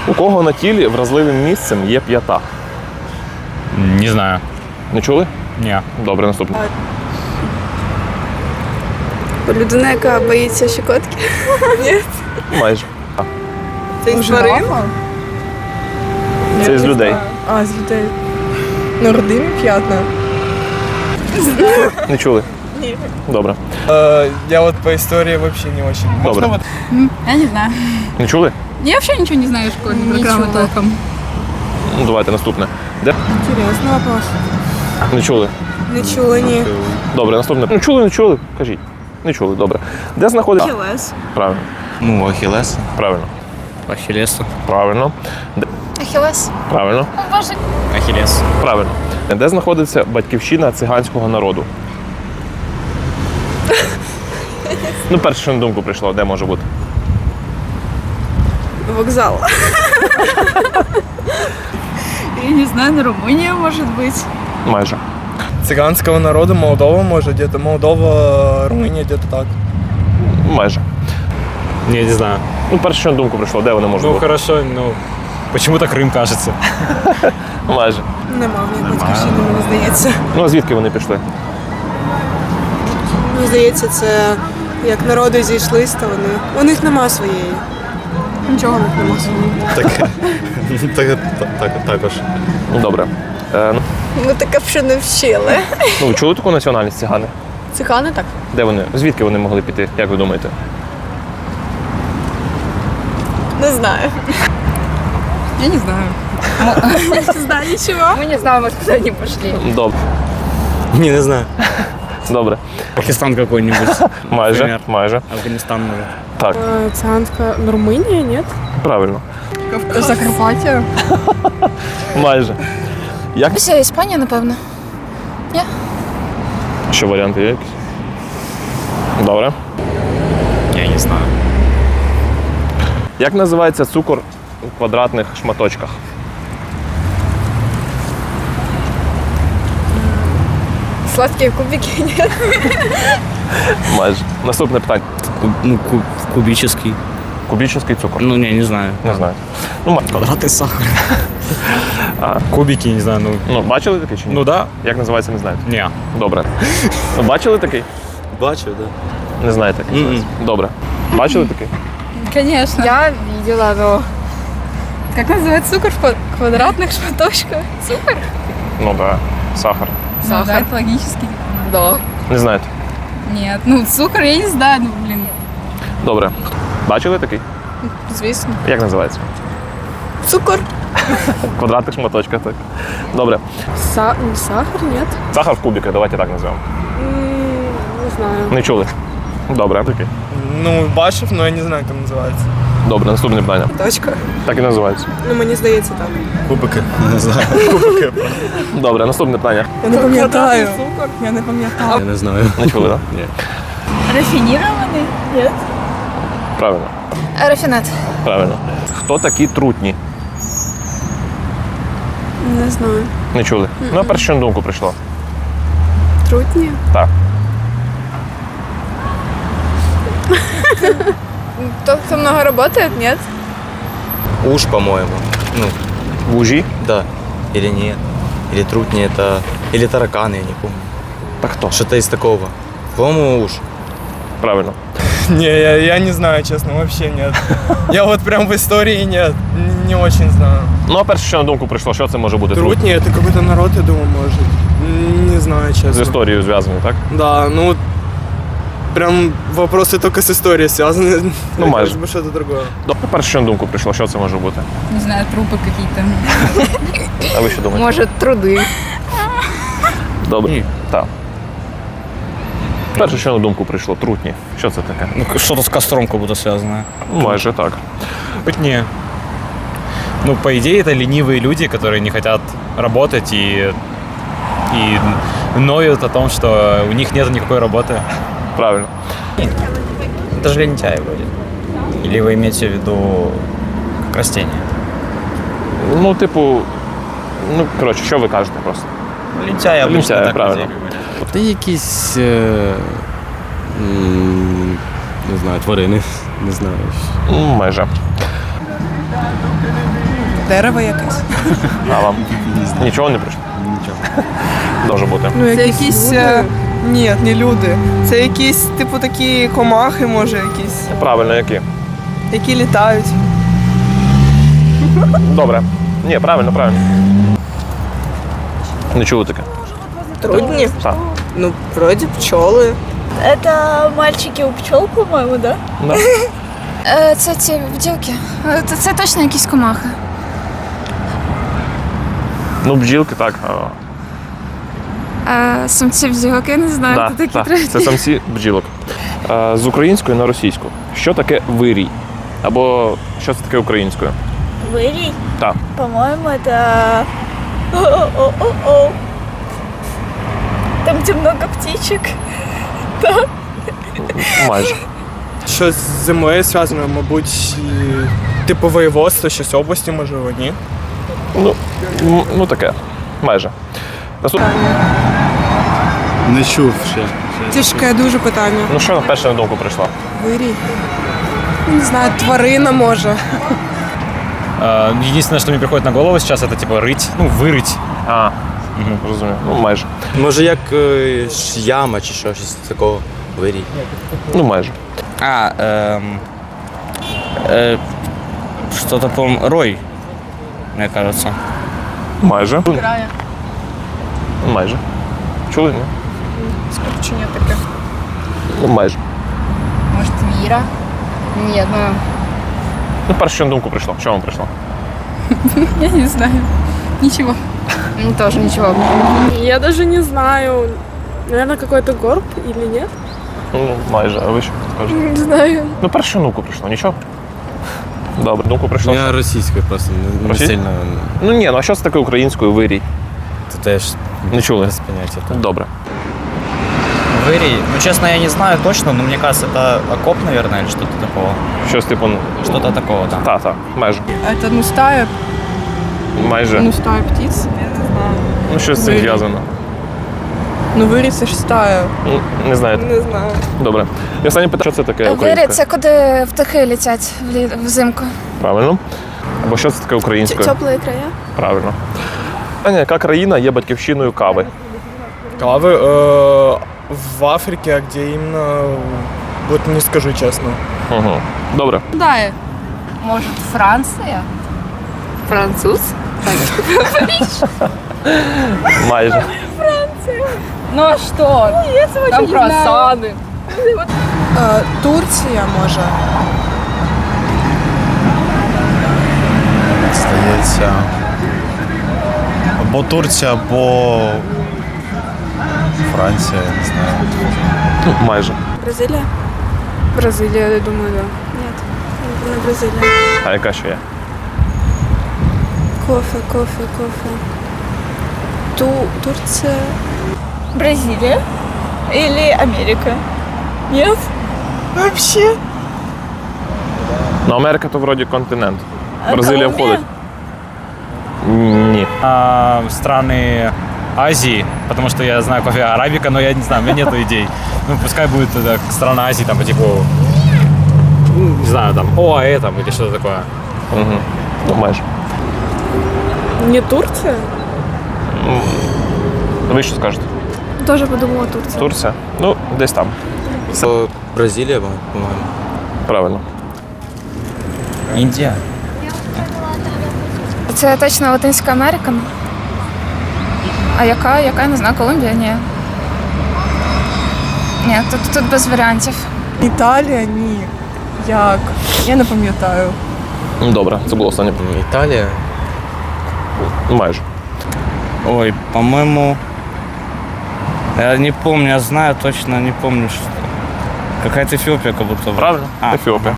У кого на тілі вразливим місцем є п'ята? Не знаю. Не чули? Ні. Добре, наступне. Людина, яка боїться щекотки? Ні. Майже. Це із тварин? Це з людей. А, з людей. Ну, родинні п'ятна. Не чули? Ні. Добре. Я вот по истории вообще не очень. Добре. Вот Я не знаю. Не чули? Я вообще ничего не знаю школьной программы толком. Ну, давайте наступне. Де? Інтересний вопрос. Не чули? Не чула, ні. Добре, наступне. Ну, чули, не чули? Кажіть. Не чули, добре. Де знаходиться? Ахілес. Правильно. Ну, Ахілес. Правильно. Ахілесу. Правильно. Ахиллес. Правильно. Боже. Ахілес. Правильно. Де знаходиться батьківщина циганського народу? Ну, перше, що на думку прийшло, де може бути? Вокзал. Я не знаю, на Румыния может быть. Майже. цыганского народа, Молдова, может, где-то Молдова, Румыния, где-то так. Майже. Не знаю. Ну, перше, що на думку прийшло, де вони можуть Ну, бути? хорошо, ну, почему-то Крым кажется. Майже. Нема в них батьківщини, мені здається. Ну, а звідки вони пішли? Мені здається, це як народи зійшлись, то вони. У них нема своєї. Нічого в них нема своєї. Також. Ну, добре. Ми таке вже не вчили. Ну, ви чули таку національність цигани? Цигани так. Де вони? Звідки вони могли піти, як ви думаєте? Не знаю. Я не знаю. Не знаю нічого. Мы не знаем, может, куда они пошли. Добре. Не знаю. Добре. Пакистан какой-нибудь. Майже. Например. Майже. Афганистан, может. Так, Циганська Румунія, ні? правильно. Закарпаття. Майже. Як? Росія, Іспанія, напевно. Ще варіанти є якісь? Добре. Я не знаю. Як називається цукор у квадратних шматочках? Сладкі кубики, ні? Майже. Наступне питання. Ну, кубический. Кубічний цукор? Ну, не знаю. Не знаю. Ну, Квадратный сахар. Кубики, не знаю, ну. ну, бачили такий чи ні? Ну да. Як називається, не знаєте? Не. Добре. Ну, бачили такий? Бачу, да. Не знаєте, як називається? Добре. Бачили такий? Конечно. Я видела, но... Как называется цукор в квадратных шматочках? Цукор? Ну, да. Сахар. Сахар. Да, это логически. Да. Не знаєте? Нет, ну цукор я не знаю, ну блин. Добре. Бачили такий? Звісно. Як називається? Цукор. В квадратних шматочках, так. Добре. Сахар, ні? Сахар в кубиках, давайте так назвемо. Не знаю. Не чули? Добре, такий. Ну, бачив, но я не знаю, как называется. Добре, наступне питання. Точка. Так і називається. Ну, мені здається, так. Кубики. Не знаю. Добре, наступне питання. Я не пам'ятаю. Я не пам'ятаю. Я не знаю. Не чули, так? Ні. Рафинированный? Нет. Правильно. Рафинат. Правильно. Хто такі трутні? Не знаю. Не чули? Ну, а перше, що на думку прийшло. Трутні? Так. Тот, кто много работает, нет? Уж, по-моему. Ну, Вужі? да. Или нет. Или трутни это... Или тараканы, я не помню. Так хто? Что-то из такого. По-моему, уж. Правильно. Не, я не знаю, честно, вообще нет. Я вот прям в истории нет. Не очень знаю. Ну, а перше, що на думку прийшло, що це може бути трутні? Трутни это какой-то народ, я думаю, может. Не знаю, честно. З історією зв'язані, так? Да, ну прям вопросы только с историей связаны. Ну, Мне майже. кажется, что-то другое. Добре, перше, що на думку прийшло, що це може бути? Не знаю, трупы какие-то. А ви що думаєте? Может, труды. Добре. Ні. Так. Перше, що на думку прийшло, трутні. Що це таке? Ну, что-то с костром как будто связано. Майже так. Быть не. Ну, по идее, это ленивые люди, которые не хотят работать и ноют о том, что у них нет никакой работы. Правильно. Это же лентяи вроде. Или вы имеете в виду как растение? Ну, типу, ну, коротше, що ви кажете просто? Лентяи обычно Лентяи, так правильно. людей говорят. Та якісь, не знаю, тварини, не знаю. Ну, майже. Дерево якесь. А вам? Нічого не прийшло? Нічого. Може бути. Ну, Це якісь. Ні, не люди. Це якісь, типу, такі комахи, може, якісь, Правильно, які? які літають. Добре. Ні, правильно. Не чули таке? Трудні? Так. Ну, вроді пчоли. Это мальчики у пчел, по-моему, да? Да. Це ці бджілки. Це точно якісь комахи. Ну, бджілки, так. Самці бджілок, я не знаю, Да, хто такі так. треті. Це самці бджілок. З української на російську. Що таке вирій? Або що це таке українською? Вирій? Так. По-моему, это... О-о-о-о-о. Там, где много птичек. Майже. Що з землею зв'язано, мабуть, типу воєводство, щось області, можливо, ні? Ну таке. Майже. Наступне. Не чув ще. Тяжке дуже питання. Ну що перше на думку прийшло? Вирій. Не знаю, тварина може. Единственное, что мне приходит на голову сейчас, это типа рыть, ну, вырыть. Розумію. Ну, майже. Може як яма чи щось такого. Вирій. Ну, майже. Что-то, по-моему, рой, мне кажется. Майже. Майже. Чули? Ні? Скорочення таке. Ну, майже. Может, віра? Ні, Ну, перше, що на думку прийшло. Що вам прийшло? я не знаю. Ничего. Тоже ничего. Я даже не знаю. Наверное, какой-то горб или нет? Ну, майже. А ви що скажете? Не знаю. Ну, перше, що на думку прийшло. Нічого? Добре, думку прийшло. Я російською просто не Російською? сильно. Ну ні, ну а що це таке українською вирій? Це теж Не чули? без поняття. Добре. Вырий. Ну, честно, я не знаю точно, но мне кажется, это окоп, наверное, или что-то такого. Щось типу. Что-то такого, да. Так, майже. Это, ну, стая, Майже. стая птиц. Ну, щось з цим вирій. зв'язано. Ну, вирій це ж стая. Ну, не знаєте. Не знаю. Добре. І останнє питання, що це таке Вирій українською? це куди птахи летять взимку. Правильно. Або що це таке українською? Теплі края. Правильно. Аня, яка країна є батьківщиною кави? Кави в Африке, а где именно, вот не скажу честно. Угу. Добре. Да. Может, Франция? Француз? Майже. Ну а что? Там круассаны. Турція може. Здається. Або Турція, або Франція, не знаю. Ну, майже. Бразилія? Бразилія, я думаю, да. Ні, не Бразилія. А яка ще є? Кофе. Турція. Бразилия? Или Америка? Нет? Вообще? Ну, Америка то вроді континент. А Бразилія Колумбія? входить. Ні. Страны Азии, потому что я знаю кофе арабика, но я не знаю, у меня нету идей. Ну, пускай будет это страна Азии, там, по типу, не знаю, там, ОАЭ там или что-то такое. Угу. Ну, майже. Не Турція? Ви що скажете? Тоже подумала Турція. Турція? Ну, десь там. Бразилія, по-моєму. Правильно. Индия. Це точно Латинська Америка. А яка? Я не знаю, Колумбія? Ні. Ні, тут без варіантів. Італія? Ні. Як? Я не пам'ятаю. Ну, добре, це було останнє. Італія. Майже. Ой, по-моему, я не помню, я знаю точно, не помню, что. Какая-то Эфиопия как будто. бы. Правильно? А. Ефіопія.